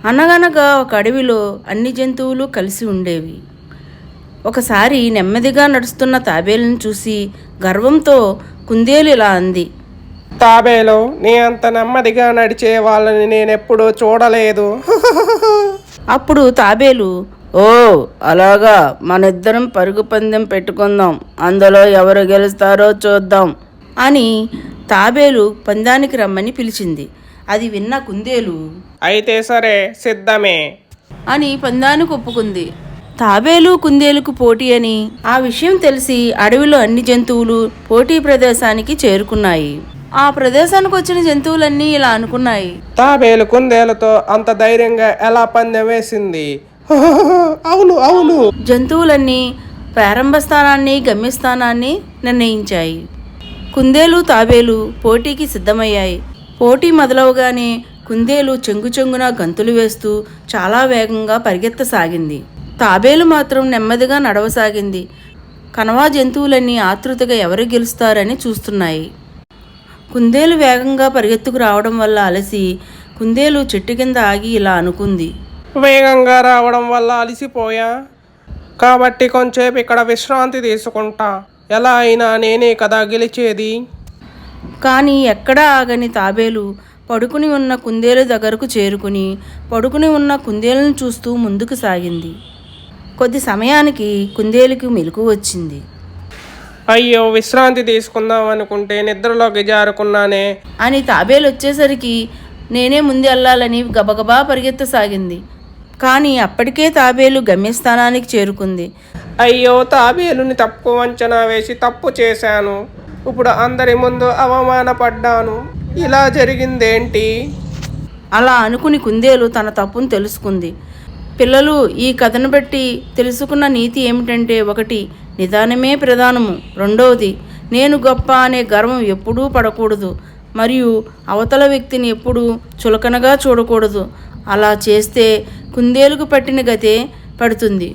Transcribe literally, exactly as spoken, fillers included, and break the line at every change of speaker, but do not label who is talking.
అనగనగా ఒక అడవిలో అన్ని జంతువులు కలిసి ఉండేవి. ఒకసారి నెమ్మదిగా నడుస్తున్న తాబేలును చూసి గర్వంతో కుందేలు ఇలా అంది.
తాబేలు, నీ అంత నెమ్మదిగా నడిచే వాళ్ళని నేనెప్పుడూ చూడలేదు.
అప్పుడు తాబేలు, ఓ అలాగా, మనిద్దరం పరుగు పందెం పెట్టుకుందాం, అందులో ఎవరు గెలుస్తారో చూద్దాం అని తాబేలు పందానికి రమ్మని పిలిచింది. అది విన్న కుందేలు,
అయితే సరే, సిద్ధమే
అని పందానికి ఒప్పుకుంది. తాబేలు కుందేలుకు పోటీ అని ఆ విషయం తెలిసి అడవిలో అన్ని జంతువులు పోటీ ప్రదేశానికి చేరుకున్నాయి. ఆ ప్రదేశానికి వచ్చిన జంతువులన్నీ ఇలా అనుకున్నాయి.
తాబేలు కుందేలుతో అంత ధైర్యంగా ఎలా పందెం వేసింది? అవును అవును
జంతువులన్నీ ప్రారంభ స్థానాన్ని గమ్యస్థానాన్ని నిర్ణయించాయి. కుందేలు తాబేలు పోటీకి సిద్ధమయ్యాయి. పోటీ మొదలవగానే కుందేలు చెంగు చెంగున గంతులు వేస్తూ చాలా వేగంగా పరిగెత్తసాగింది. తాబేలు మాత్రం నెమ్మదిగా నడవసాగింది. కనవా జంతువులన్నీ ఆతృతగా ఎవరు గెలుస్తారని చూస్తున్నాయి. కుందేలు వేగంగా పరిగెత్తుకు రావడం వల్ల అలసి కుందేలు చెట్టు కింద ఆగి ఇలా అనుకుంది.
వేగంగా రావడం వల్ల అలసిపోయా, కాబట్టి కొంచెంసేపు ఇక్కడ విశ్రాంతి తీసుకుంటా. ఎలా అయినా నేనే కదా గెలిచేది.
కానీ ఎక్కడా ఆగని తాబేలు పడుకుని ఉన్న కుందేలు దగ్గరకు చేరుకుని పడుకుని ఉన్న కుందేలును చూస్తూ ముందుకు సాగింది. కొద్ది సమయానికి కుందేలుకి మెలకు వచ్చింది.
అయ్యో, విశ్రాంతి తీసుకుందాం అనుకుంటే నిద్రలోకి జారుకున్నానే
అని తాబేలు వచ్చేసరికి నేనే ముందు వెళ్ళాలని గబగబా పరిగెత్తసాగింది. కానీ అప్పటికే తాబేలు గమ్యస్థానానికి చేరుకుంది.
అయ్యో, తాబేలుని తప్పు అంచనా వేసి తప్పు చేశాను. ఇప్పుడు అందరి ముందు అవమానపడ్డాను. ఇలా జరిగిందేంటి?
అలా అనుకుని కుందేలు తన తప్పును తెలుసుకుంది. పిల్లలు, ఈ కథను బట్టి తెలుసుకున్న నీతి ఏమిటంటే, ఒకటి, నిదానమే ప్రధానము. రెండవది, నేను గొప్ప అనే గర్వం ఎప్పుడూ పడకూడదు. మరియు అవతల వ్యక్తిని ఎప్పుడూ చులకనగా చూడకూడదు. అలా చేస్తే కుందేలుకు పట్టిన గతే పడుతుంది.